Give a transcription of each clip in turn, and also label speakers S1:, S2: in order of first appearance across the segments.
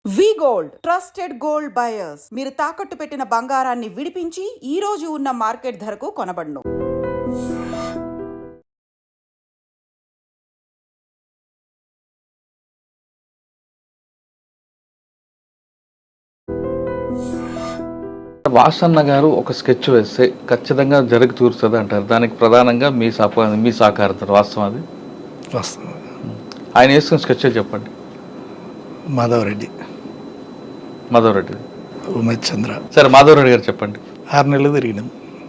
S1: వి gold trusted gold buyers మీరు తాకట్టు పెట్టిన బంగారాన్ని విడిపించి ఈ రోజు ఉన్న మార్కెట్ ధరకు కొనబడును.
S2: వాసన్న గారు ఒక స్కెచ్ వేస్తే ఖచ్చితంగా జరిగి తీరుతుంది అంటారు. దానికి ప్రధానంగా మీ సహకారం వాస్తవం అది
S3: వస్తుంది.
S2: ఆయన వేసుకున్న స్కెచ్ చెప్పండి.
S3: మాధవరెడ్డి ఉమేష్ చంద్ర.
S2: సరే, మాధవరెడ్డి గారు చెప్పండి.
S3: 6 నెలలు తిరిగినాం.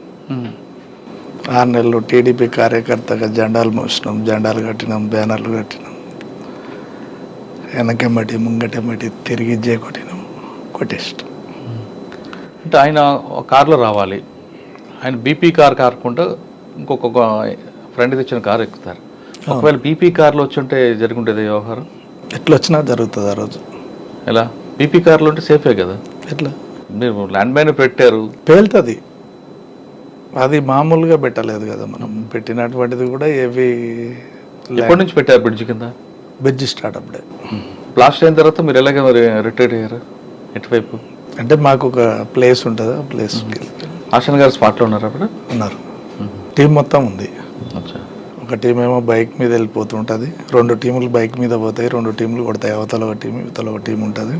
S3: 6 నెలలు టీడీపీ కార్యకర్తగా జెండాలు మోసినాం, జెండాలు కట్టినాం, బ్యానర్లు కట్టినాం, వెనకెమ్మటి ముంగటెమ్మటి తిరిగి కొట్టినాం, కొట్టేస్తాం.
S2: అంటే ఆయన కారులో రావాలి, ఆయన బీపీ కార్ కాకుండా ఇంకొక ఫ్రెండ్ తెచ్చిన కారు ఎక్కుతారు. ఒకవేళ బీపీ కార్లో వచ్చి ఉంటే జరుగుంటుంది వ్యవహారం.
S3: ఎట్లా వచ్చినా జరుగుతుంది ఆ రోజు.
S2: ఎలా? బీపీ కార్లో ఉంటే సేఫే కదా.
S3: ఎట్లా?
S2: మీరు ల్యాండ్ మైన్ పెట్టారు,
S3: పేలుతుంది. అది మామూలుగా పెట్టలేదు కదా, మనం పెట్టినటువంటిది కూడా ఏవి.
S2: ఎప్పటి నుంచి పెట్టారు బ్రిడ్జ్ కింద?
S3: బ్రిడ్జ్ స్టార్ట్ అప్పుడే.
S2: బ్లాస్ట్ అయిన తర్వాత మీరు ఎలాగ మరి రిటైర్ అయ్యారు? ఎటువైపు?
S3: అంటే మాకు ఒక ప్లేస్ ఉంటుంది, ఆ ప్లేస్కి
S2: ఆశన్ గారు స్పాట్లో ఉన్నారు అప్పుడు?
S3: ఉన్నారు. టీం మొత్తం ఉంది. ఒక టీం ఏమో బైక్ మీద వెళ్ళిపోతుంటుంది, 2 టీములు బైక్ మీద పోతాయి, 2 టీములు కొడతాయి. అవతల ఒక టీం, ఇవతల ఒక టీం ఉంటుంది.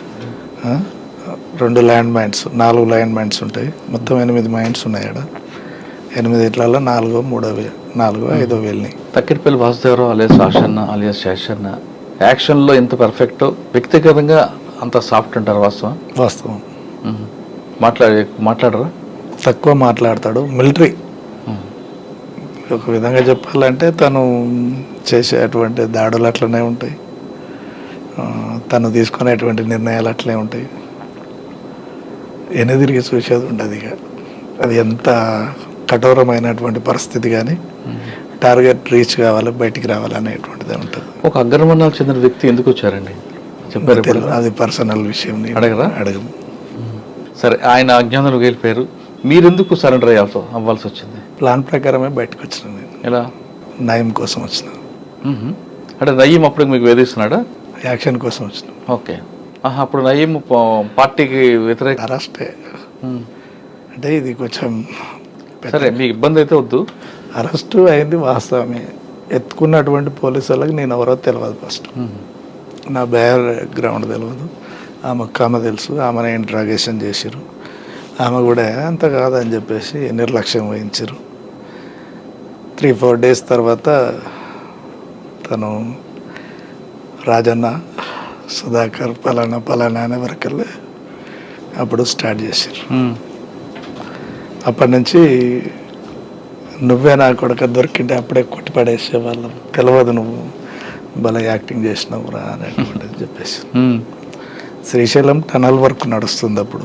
S3: 2 ల్యాండ్ మైన్స్, 4 ల్యాండ్ మైన్స్ ఉంటాయి. మొత్తం 8 మైన్స్ ఉన్నాయి ఆడ. 8 ఇట్లలో 4 5 వెళ్ళినాయి.
S2: తక్కిటిపల్లి వాసుదేవరావు అలియాస్ ఆశన్న అలియాస్ శేషన్న యాక్షన్లో ఎంత పర్ఫెక్టో వ్యక్తిగతంగా అంత సాఫ్ట్ అంటారు. వాస్తవం. మాట్లాడరా?
S3: తక్కువ మాట్లాడతాడు. మిలిటరీ ఒక విధంగా చెప్పాలంటే తను చేసేటువంటి దాడులు అట్లనే ఉంటాయి, తను తీసుకునేటువంటి నిర్ణయాలు అట్లే ఉంటాయి. ఎనదిరిగి చూసేది ఉండదు. ఇక అది ఎంత కఠోరమైనటువంటి పరిస్థితి కానీ టార్గెట్ రీచ్ కావాలి, బయటికి రావాలి అనేటువంటిది ఉంటుంది.
S2: ఒక అగ్రవర్ణాలకు చెందిన వ్యక్తి ఎందుకు వచ్చారండి చెప్పారు?
S3: అది పర్సనల్ విషయం. అడగము.
S2: సరే, ఆయన అజ్ఞానంలో వెళ్ళిపోయారు, మీరెందుకు సరెండర్ అవ్వాల్సి వచ్చింది?
S3: ప్లాన్ ప్రకారమే బయటకు వచ్చిన నేను.
S2: ఎలా?
S3: నయం కోసం వచ్చిన.
S2: అంటే నయీం అప్పుడు మీకు వేధిస్తున్నాడా?
S3: యాక్షన్ కోసం వచ్చిన.
S2: ఓకే. అప్పుడు నయీం పార్టీకి వ్యతిరేక
S3: అరెస్టే. అంటే ఇది కొంచెం
S2: సరే, మీకు ఇబ్బంది అయితే వద్దు.
S3: అరెస్టు అయింది వాస్తవమే. ఎత్తుకున్నటువంటి పోలీసు వాళ్ళకి నేను ఎవరో తెలియదు. ఫస్ట్ నా బ్యాక్గ్రౌండ్ తెలియదు. ఆమె తెలుసు. ఆమెను ఇంట్రాగేషన్ చేసిరు. ఆమె కూడా అంత కాదని చెప్పేసి నిర్లక్ష్యం వహించారు. 3-4 డేస్ తర్వాత తను రాజన్న, సుధాకర్, పలానా అనే వరకల్లా అప్పుడు స్టార్ట్ చేశారు. అప్పటి నుంచి నువ్వే నా కొడుకు దొరికింటే అప్పుడే కొట్టి పడేసే వాళ్ళం. తెలియదు నువ్వు భలే యాక్టింగ్ చేసినావురా అనేటువంటిది చెప్పేసి. శ్రీశైలం టనల్ వర్క్ నడుస్తుంది. అప్పుడు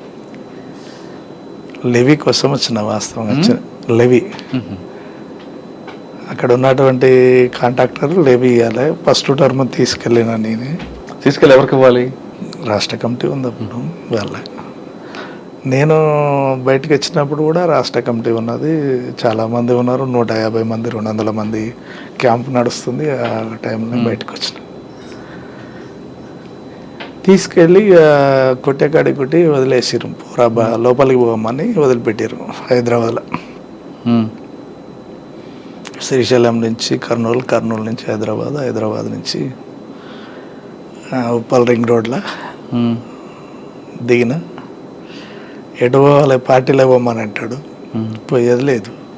S3: లెవీ కోసం వచ్చిన, వాస్తవంగా వచ్చిన లెవీ. అక్కడ ఉన్నటువంటి కాంట్రాక్టర్ లెవీ ఇవ్వాలి. ఫస్ట్ టర్మ్ తీసుకెళ్ళినా నేనే.
S2: తీసుకెళ్ళి ఎవరికి ఇవ్వాలి?
S3: రాష్ట్ర కమిటీ ఉంది అప్పుడు వాళ్ళ. నేను బయటకు వచ్చినప్పుడు కూడా రాష్ట్ర కమిటీ ఉన్నది, చాలామంది ఉన్నారు. 150 మంది 200 మంది క్యాంప్ నడుస్తుంది. ఆ టైంలో బయటకు వచ్చిన. తీసుకెళ్ళి కొట్టేకాడి కొట్టి వదిలేసారు. పూరా లోపలికి పోమని వదిలిపెట్టారు హైదరాబాద్లో. శ్రీశైలం నుంచి కర్నూలు నుంచి హైదరాబాద్ నుంచి ఉప్పల్ రింగ్ రోడ్లో దిగిన. ఎటు పోవాలి, పార్టీలో పోమని అంటాడు. పోయేది లేదు.